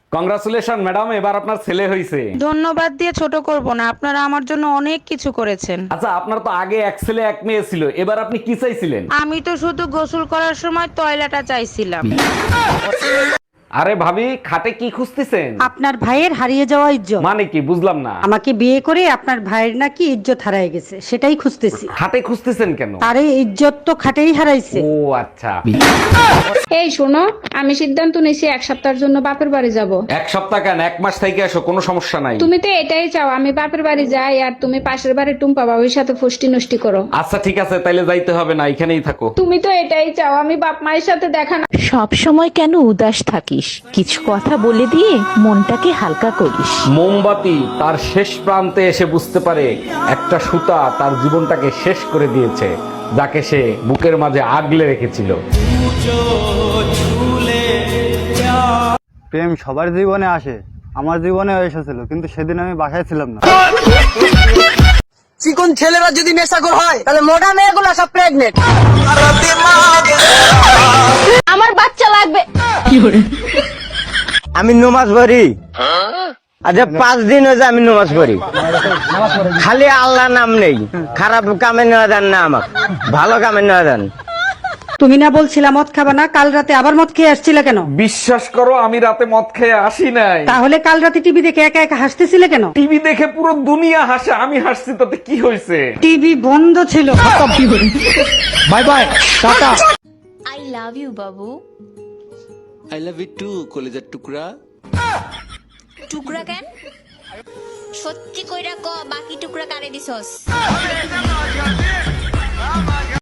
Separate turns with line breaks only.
Congratulation madam, এবার আপনার ছেলে হইছে।
ধন্যবাদ দিয়ে ছোট করব না, আপনারা আমার জন্য অনেক কিছু করেছেন।
আচ্ছা, আপনার তো আগে এক ছেলে এক মেয়ে ছিল, এবার আপনি কি চাইছিলেন?
আমি তো শুধু গোসল করার সময় টয়লেটটা চাইছিলাম।
আরে ভাবি, খাটে কি খুঁজতেছেন?
আপনার ভাইয়ের হারিয়ে যাওয়া ইজ্জত।
মানে কি, বুঝলাম না।
আমাকে বিয়ে করে আপনার ভাইয়ের নাকি ইজ্জত হারিয়ে গেছে, সেটাই খুঁজতেছি।
খাটে খুঁজতেছেন কেন?
আরে ইজ্জত তো খাটেই হারাইছে।
ও আচ্ছা।
এই শোনো, আমি সিদ্ধান্ত নিয়েছি 1 সপ্তাহের জন্য বাপের বাড়ি যাব।
এক সপ্তাহ কেন, 1 মাস থেকে আসো, কোনো সমস্যা নাই।
তুমি তো এটাই চাও আমি বাপের বাড়ি যাই আর তুমি পাশের বাড়ি টুম্পা বাবুর সাথে ফষ্টি নষ্টি করো।
আচ্ছা ঠিক আছে, তাইলে যাইতে হবে না, এখানেই থাকো।
তুমি তো এটাই চাও আমি বাপ মায়ের সাথে দেখা না।
সব সময় কেন উদাস থাকিস? কিছু কথা বলে দিয়ে মনটাকে হালকা করিস।
মোমবাতি তার শেষ প্রান্তে এসে বুঝতে পারে একটা সুতা তার জীবনটাকে শেষ করে দিয়েছে, যাকে সে বুকের মাঝে আগলে রেখেছিল।
প্রেম সবার জীবনে আসে, আমার জীবনে এসেছিল, কিন্তু সেদিন আমি বাসায় ছিলাম না।
চিকন ছেলেরা যদি নেশাখোর হয় তাহলে মোটা মেয়েগুলো সব প্রেগনেন্ট।
আমার বাচ্চা লাগবে।
আমি নমাজ পড়ি, আচ্ছা 5 দিন হয়েছে আমি নমাজ পড়ি, খালি আল্লাহ নাম নেই। খারাপ কামে নেওয়া দেন না, আমার ভালো কামে নেওয়া দেন।
তুমি না বলছিলা মদ খাবা না, কাল রাতে আবার মদ খেয়ে আসছিলে কেন?
বিশ্বাস করো, আমি রাতে মদ খেয়ে আসি নাই।
তাহলে কাল রাতে টিভি দেখে একা একা হাসতেছিলে কেন?
টিভি দেখে পুরো দুনিয়া হাসে, আমি হাসছি, তাতে কি হয়েছে?
টিভি বন্ধ ছিল।
Bye bye, tata.
I love you বাবু।
আই লাভ ইউ টু কলেজের টুকরা।
টুকরা কেন? সত্যি কইরা ক, বাকি টুকরা কারে দিছস?